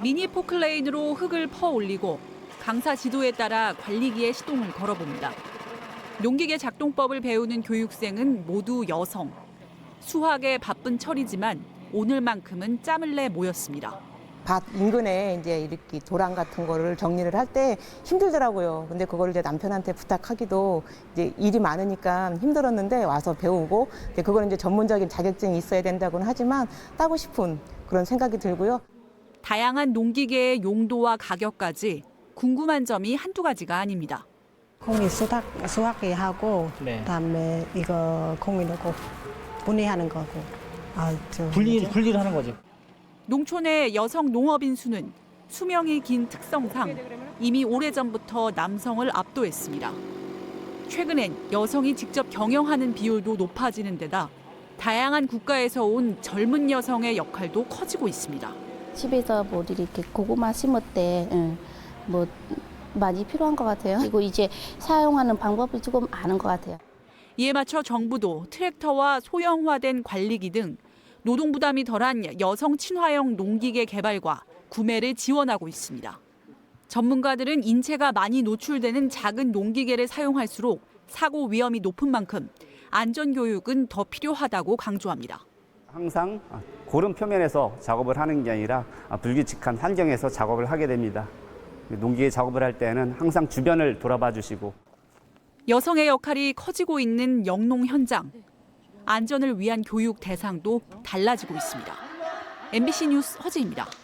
미니 포클레인으로 흙을 퍼 올리고 강사 지도에 따라 관리기에 시동을 걸어봅니다. 농기계 작동법을 배우는 교육생은 모두 여성. 수학에 바쁜 철이지만 오늘만큼은 짬을 내 모였습니다. 밭 인근에 이제 이렇게 도랑 같은 거를 정리를 할 때 힘들더라고요. 근데 그걸 이제 남편한테 부탁하기도 이제 일이 많으니까 힘들었는데 와서 배우고 그거는 이제 전문적인 자격증이 있어야 된다고는 하지만 따고 싶은 그런 생각이 들고요. 다양한 농기계의 용도와 가격까지 궁금한 점이 한두 가지가 아닙니다. 콩이 수확이 하고 그다음에 이거 콩이 넣고 분해하는 거고. 분리를 하는 거죠. 농촌의 여성 농업인 수는 수명이 긴 특성상 이미 오래전부터 남성을 압도했습니다. 최근엔 여성이 직접 경영하는 비율도 높아지는 데다 다양한 국가에서 온 젊은 여성의 역할도 커지고 있습니다. 집에서 뭐 이렇게 고구마 심을 때 뭐 많이 필요한 것 같아요. 그리고 이제 사용하는 방법을 조금 아는 것 같아요. 이에 맞춰 정부도 트랙터와 소형화된 관리기 등 노동 부담이 덜한 여성 친화형 농기계 개발과 구매를 지원하고 있습니다. 전문가들은 인체가 많이 노출되는 작은 농기계를 사용할수록 사고 위험이 높은 만큼 안전 교육은 더 필요하다고 강조합니다. 항상 고른 표면에서 작업을 하는 게 아니라 불규칙한 환경에서 작업을 하게 됩니다. 농기계 작업을 할 때는 항상 주변을 돌아봐 주시고. 여성의 역할이 커지고 있는 영농 현장. 안전을 위한 교육 대상도 달라지고 있습니다. MBC 뉴스 허지입니다.